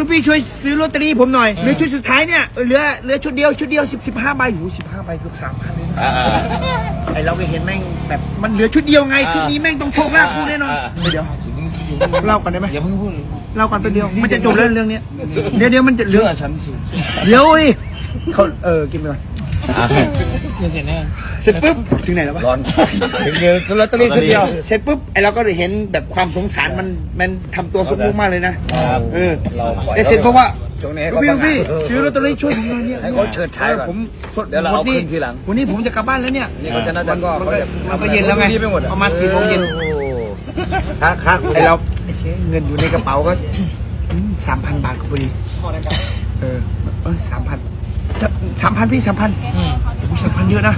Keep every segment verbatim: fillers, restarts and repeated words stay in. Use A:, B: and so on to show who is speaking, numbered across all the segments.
A: ลูกพี่ช่วยซื้อลอตเตอรี่ผมหน่อยเหลือชุดสุดท้ายเนี่ยเหลือเหลือชุดเดียวชุดเดียวสิบสิบห้าใบหูสิบห้าใบเกือบสามพันเลยนะไอเราก็เห็นแม่งแบบมันเหลือชุดเดียวไงชุดนี้แม่งต้องโชคลาภกูแน่นอนเดี๋ยวเล่ากันได้ไหม
B: อย่าเพิ่งพูด
A: เล่ากันไปเดียวมันจะจบเรื่องเรื่องนี้เดี๋ยวเดี๋ยวมันจะ
B: เชื่อฉันสิ
A: เดี๋ยวดิเขาเออกินไปก่อน
B: เสร็จแน่
A: เสร็จปุ๊บถึงไหนแล้ววะ
B: ร้อนถึงเดียวลอตเตอรี่ชุดเดียว
A: เสร็จปุ๊บไอเราก็ได้เห็นแบบความสงสารมันมันทำตัวสมมุติมากเลยนะเออแต่เสร็จเพราะว่าพี่ลูกพี่ซื้อลอตเตอรี่ช่วยผมหน่อยเนี่ย
B: ให้เขาเฉิดฉายก่อน
A: ผมสด
B: เดี๋ยวเราเอาขึ้นทีหลัง
A: วันนี้ผมจะกลับบ้านแล้วเนี่ย
B: นี่เขาชนะจันก็
A: มัน
B: เขา
A: ก็
B: จะ
A: มันก็เย็นแล้วไงประมาณสี่โมงเย็น
B: ค่าค่า
A: ไอเราไอเชเงินอยู่ในกระเป๋าก็สามพันบาทก็พอดีเออเออสามพันสามพันพี่สามพันผมสามพันเยอะนะ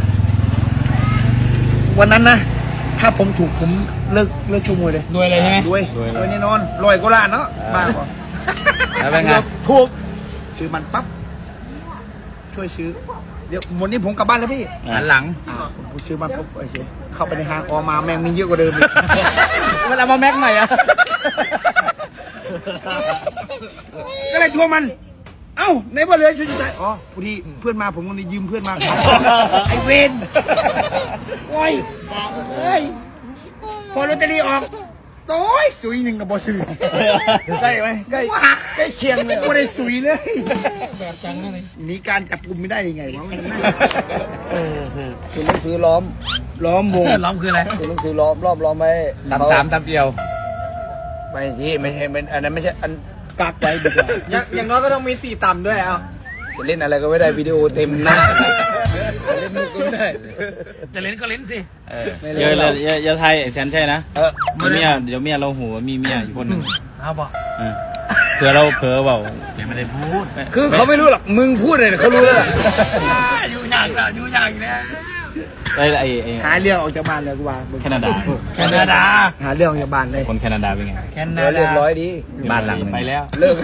A: วันนั้นนะถ้าผมถูกผมเลิกเลิกชกมวยเลย
C: รวยเลยใช่ไหม
A: รวยรวยแน่นอนรวยก็ล้านเนาะบ้าเปล่า
B: แล้วเป็นไง
A: ถูกซื้อมันปั๊บช่วยซื้อเดี๋ยววันนี้ผมกลับบ้านแล้วพี่
B: หันหลัง
A: อ่าผมซื้อมันปุ๊บโอเคเข้าไปในห้างออกมาแม่งมีเยอะกว่าเดิมอีก
B: มันเอามาแม็กใหม่อะ
A: ก็เลยทวงมัน เอ้าในบ่เหลือชุดสุดท้ายอ๋อพอดีเพื่อนมาผมก็เลยยืมเพื่อนมา ไอเวนโอ้ยเฮ้ยพอลอตเตอรี่ออกโต้ยสุยหนึ่งกับบอซื้อ
B: ใกล้ไหมใกล้ใกล้เคียงเลย
A: ไม่ได้สุยเลย
C: แบบจังนั่นเลย
A: หนีการจับกุมไม่ได้ยังไงวะมันน่า
B: คือหนังสือล้อม
A: ล้อมวง
C: ล้อมคืออะไร
B: คือหนังสือล้อมรอบล้อมไว้
C: ตำสามตำเดียว
B: ไม่ที่ไม่ใช่เป็นอันนั้นไม่ใช่อัน
A: กักไว้ดีกว่า
C: อย่างอย่างน้อยก็ต้องมีสี่ต่ำด้วยเอา
B: จะเล่นอะไรก็ไม่ได้วิดีโอเต็มหน้าจะเล่นมุกก็ไม่ได้
C: จะเล่นก็เล่นสิ
D: เยอะเลยเยอะเยอะไทยแสนใช่นะ
B: เออ
D: มีเมียเดี๋ยวเมียเราหัวมีเมียอยู่คนหนึ่ง
C: เอาบอก
D: เออเผื่อเราเผลอเปล่าเดี๋ยวไม่ได้พูด
B: คือเขาไม่รู้หรอกมึงพูดเลยเขารู้แล้วล่ะ
C: อยู่ยากแล้วอยู่ยากแล้ว
D: ไอ้ไอ้ไอ้
A: หาเรื่องออกจากบ้านเลยกูว่า
D: แคนาดา
C: แคนาดา
A: หาเรื่องออกจากบ้านเลย
D: คนแคนาดาเป็นไง
C: แคนา
B: เดี๋ยวเรียบ
C: ดา
B: ร้อยดี
D: บ้านหลังไปแล้ว
B: เลิก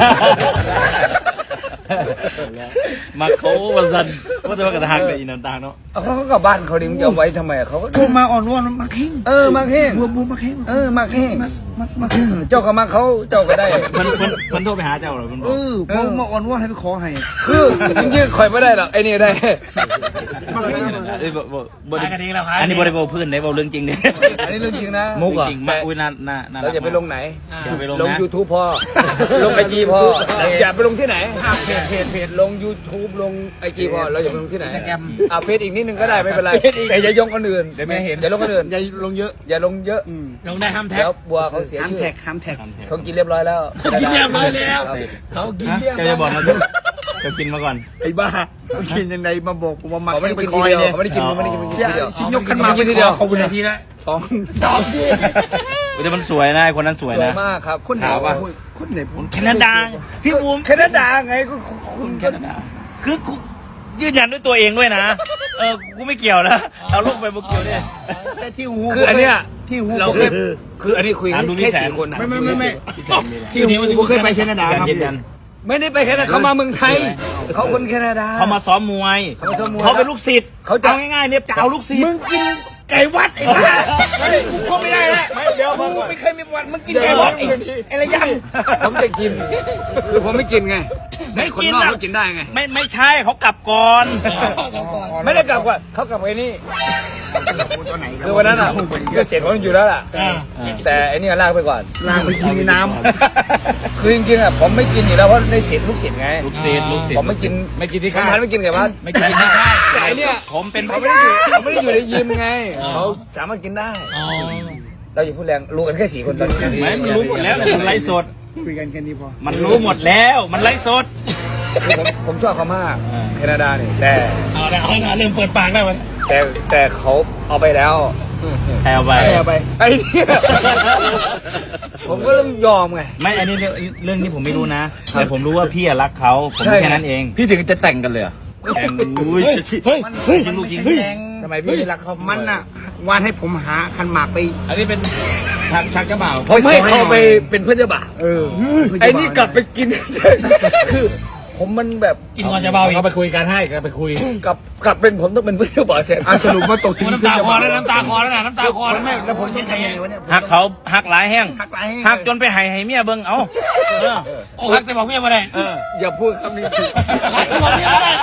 D: มาเขาวันซันว่าจะมากระทางกับอีนันตางเนาะ
B: เอาเขากลับบ้านเขาดิมึงจะเอาไว้ทำไมเขาก็
A: โทรมาอ่อนวอนมาเข่ง
B: เออมาแห้ง
A: บัวบัวมาเข่ง
B: เออมาแห้ง
A: มามามา
B: เจ้าก็มาเขาเจ้าก็ได้
D: มันมันมันโทรไปหาเจ้าเหรอมันบ
A: เอ
D: อก
A: อพอมาอ่อนวอนให้ไปขอให้
B: คือจริงๆคอยไม่ได้หรอกไอ้นี่ได้
A: มาเข่ง
D: เอ้ยบ่บ่บ่
C: ตายกันเองแล้วครับ
D: อันนี้บริโภคพื้นได้บ่เรื่องจริงเนี่ย
B: อันนี้เรื่องจริงนะ
D: มุกจริงมากอุ้ยน่าน่าน่า
B: เราจะไปลงไหน
D: อย่าไปลง
B: ลง
D: นะ
B: YouTube พอ ลงไอจีพออย่าไปลงที่ไหนเพจเพจเพจลง YouTube ลงไอจีพอเราอย่าไปลงที่ไหนอ่ะเฟซอีกนิดนึงก็ได้ไม่เป็นไรแต่อย่ายงคนอื่นเดี๋ยวไม่เห็นอย่าลงคนอื่น
A: อย่าลงเยอะ
B: อย่าลงเยอะ
A: อืม
C: ลงได้ห้ามแท็ก
B: เดี๋ยวบัวเขาเสีย
A: ห้าม
B: ชื่อ
A: แท็กห้ามแท็ก
B: เขากินเรียบร้อยแล้ว
C: เขากินเรียบร้อยแล้วเขากิน
D: ฮะ
C: เรียบ
D: แก
C: ร้อย
D: จะบอกมาจะจะกินมาก่อน
A: ไอ้บ้าเขากินยังไงมาบอกผมว่ามา
B: เขาไม่ได้
A: ไป
B: กิน
A: ค
B: ที
A: อย
B: เดียว
A: เนี่ย
B: เขาไม่ได้กินเขาไม่ได้กิน
A: เสีย
B: ทีเดียว
A: ชิ้นยกขึ้นมา
B: กินทีเดียว
A: เขา
C: คุณ
A: คุณ
C: นาทีละ
B: สอง
A: ดอกดิ
D: แต่มันสวยนะไอ้คนนั้นสวย
B: สวย
D: นะ
B: มากครับ
A: คนไหน
B: ถามว่า
A: คนไหนผม
D: แคนาดาพี่บูม
B: แคนาดาไงก็คุณ
D: แคนาดาคือกูยืนยันด้วยตัวเองด้วยนะ เออ กูไม่เกี่ยวนะ เอาลูกไปบุกเกี่ยวเนี่ย
A: แต่ที่หู
B: คืออันเนี้ย
A: ที่หู
B: เรา
A: ผม
B: คื
A: เค
B: อย คืออันนี้คุยกัน
D: อ่ะดูมี
B: แค่
D: แสน
B: สี่คนนะ
A: ไม่ไม่ไม่ไม่ที่หูผมเคยไปแคนาดาครับ
D: ยืนยัน
B: ไม่ได้ไปแคนาดาเขามาเมืองไทยเขาคนแคนาดา
D: เขามาซ้อมมวย
B: เขามาซ้อมมวย
D: เขาเป็นลูกศิษย์
B: เขาจะ
D: เอาง่ายๆเนี่ยจะเอาลูกศิษ
A: มึ
D: ย์
A: งกินไก่วัดไอ้บ้ากูเข้าไม่ได้แล้ว
B: ไม่เดี๋ยว
A: กู
B: ก่อน
A: ไม่เคยมีประวัติมึงกินไก่วัดไอ้ไอ้ระยำ
B: ผมจะกิน คือผมไม่กินไง
D: ไม่
B: คน
D: กิน
B: นอก
D: นะ
B: เขากินได้ไง
D: ไม่ไม่ใช่เขากลับก่อน
B: ไม่ได้กลับว่าเขากลับไอ้นี่
A: ตัวไหน
B: คือวันนั้นอ่ะคือเสียงเขาอยู่แล้วล่ะ แต่ไอ้นี่ลากไปก่อน
A: ลางไปกินในน้
B: คือจริงๆอ่ะผมไม่กินอยู่แล้วเพราะในเสียงลูกศิษย์ไง
D: ลูกศิษย์ลูกศิษย์
B: ผมไม่กิน
C: ไม่กินที่
B: สำ
C: ค่า
B: คัญ
C: ย
B: ไม่กินไก่พัด
C: ไม่กินที่ค่าย
B: แต่ไอ้เนี่ย
D: ผมเป็น
B: เขาไม่ได้อยู่เขาไม่ได้อยู่ในยิมไงเขาสามารถกินได้
C: อ๋อ
B: เราอย่าพูดแรงรู้กันแค่สี่คนตอนนี้
D: ไม่มันรู้หมดแล้วเนี่ยมันไลฟ์สด
A: ำคุยกันแค่นี้พอ
D: มันรู้หมดแล้ว มันไลฟ์สด
B: คือผมผมชอบเขามากแคนาดาเนี่ยแต่
C: เอาละเอาละเริ่มเปิดปากแล้วมัน
B: แต่แต่เขาเอาไปแล้ว
D: ใครเอาไป
A: เอาไป
B: ไอ้เนี่ยผมก็ต้องยอมไง
D: ไม่ อันนี้เรื่องเรื่องนี้ผมไม่รู้นะ แต่ผมรู้ว่าพี่อะรักเขา ผม
B: ใช่
D: แค่นั้นเอง
C: พี่ถึงจะแต่งกันเลยอ่ะ
D: แข่งอุ้ย
C: เฮ้ย
A: เฮ้ย
D: จริงลูกจริง
A: แดง
B: ทำไมพี่ไม่รักเขา
A: มั
B: มัน
A: น่ะวานให้ผมหาคันหมากไป
C: อันนี้เป็นทางทางเจ้าบ่าว
B: ผมให้เขาไปเป็นเพื่อนเจ้าบ่าว
A: เออ
B: ไอ้นี่กลับไปกิน คือผมมันแบบ
C: กินก่อนจะเบาอีกเขาไปคุยกันให้ก็ไปคุย
B: กับกับเป็นผมต้องเป็นผู้ช่วยบอลแทน
A: อ่ะสรุปว่าตกถึง
C: น้ำตาคอแล้วน้ำตาคอแล้วนะน้ำตาคอแล้ว
A: ไม่แล้วผมต้องทำยังไงวะเนี่ย
D: หักเขาหักหลายแห้ง
A: หักหลายแห้ง
D: หักจนไปให้ให้เมียเบิ่งเอาเออ
C: โอ้ฮักแต่บอกเมียมาได้
D: เออ
B: อย่าพูดคำนี้
C: ฮักแต่บอกเมียมาได้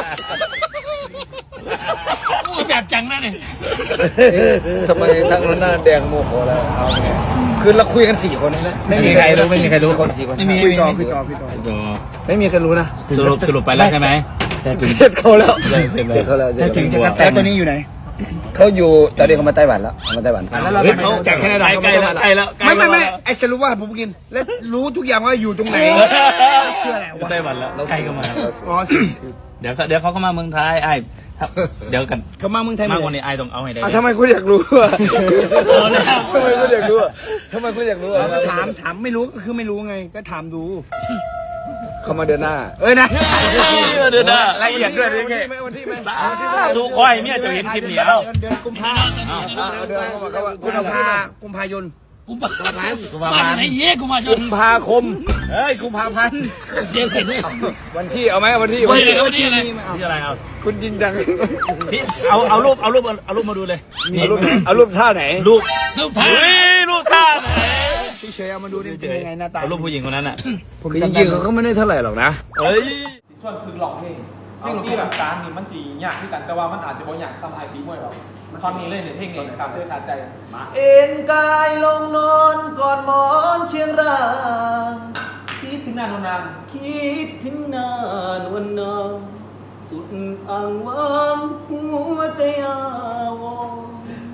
C: โอ้แบบจังนะเนี่ย
B: ทำไมทั้งนั้นหน้าแดงโมโหแล้วเอาไงคือเราคุยกันสี่คนนะ
C: ไม่มีใครรู้ไม่มีใครรู้
B: คนสี่คน
C: ไม่มี
A: คุยต่อคุยต่อคุยต่อ
B: ไม่มีใครรู้นะ
D: สรุปสรุปไปแล้วใช่ไหม
B: เสร็จเขาแล้วเสร็จเขาแล้ว
C: จะถึงจะกระแต
A: แล้วตัวนี้อยู่ไหน
B: เขาอยู่ตอนนี้เขามาไต้หวันแล้วมาไต้หวัน
C: แล้วเรา
D: เฮ้ย
C: จะ
D: เขา
B: จากแคนาดา
D: ใกล้แล้วใกล้แล้วใกล้
A: ไม่
D: แล้ว
A: ไม่ไม่ไอ้สรุปว่าผมกิน แล้วรู้ทุกอย่างว่าอยู่ตรงไหนคืออะไรวะ
D: ไต้หวันแล้วใกล้ก็มา
A: อ๋อสิ
D: เดี๋ยวเขาเดี๋ยวเขาก็มาเมืองไทยไอ้ครับเดี๋ยวกัน
A: เขามาเมืองไทย
D: มาก
A: เล
D: วัน
A: ย
D: นี้ไอ้ต้องเอาให้ได้
B: อ่ะทำไมคุณอยากรู้อ่ะ
D: เอาแล้ว
B: ทำไมคุณอยากรู้อ่ะทำไมคุณอยากรู้อ่ะ
A: เราก็ถามถามไม่รู้ก็คือไม่รู้ไง ก็ถามดู
B: เขามาเดินหน้า
A: เอ้ยนะ
D: เดี๋ยวนะ
A: ละเอียดด้วยนี่ไง
B: วันที่ไหม
D: สาธุขอให้เมียจะเห็นคลิปนี้เอา
A: เดือนกุมภา
B: เดินเข้ามาเข้ามา
A: กุมภากุมภายน
C: กูมากูมาไหนเย้กูมาจ
B: กุ
C: น
B: มภาคม
C: เฮ้ยกูพาพันเสียงเสร็จด้วย
B: วันที่เอาไหมวันที่
C: วันที่
A: เออที่นี่มาเอา
D: ที่อะไรเอา
B: คุณจริงจัง
D: พี่เอาเอารูปเอารูปเอารูปมาดูเลยนี่
B: เอารูปเอารูปท่าไหน
D: รูป
C: ลูกท่า
D: เฮ้ยรูปท่าไหน
A: พี่เฉยเอามาดูนี่เป็นยังไงหน้าตา
D: เอารูปผู้หญิงคนนั้นอ่ะ
B: คือจริงๆเขาก็ไม่ได้เท่าไหร่หรอกนะ
D: เฮ้ย
E: ส่วนคือหลอกเพลงเพลงหลอกที่แบบสารนี่มันสียากที่กัน แต่ว่ามันอาจจะบ่อยากซ้ำไอปีมวยหรอกท่อนนี้เลยเนี่ยเพลงนี้ขาดด้วยขาดใจ
F: เอ็นกายลงนอนกอดหมอนเชียงราง
E: คิดถึงนานนาน
F: คิดถึงหน้านวลนางสุดอ่างวางหัวใจอาวรณ์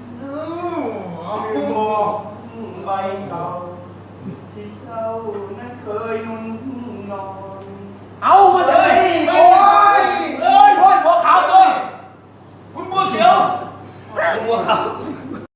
E: คือบอกใบเก่าที่เจ้านั้นเคยนุ่นนอน
F: เอามาจากไหนโอ้ยเอ้ยโอ้ยบัวขาวตัวนี้คุณบัวเขียวบัวขาว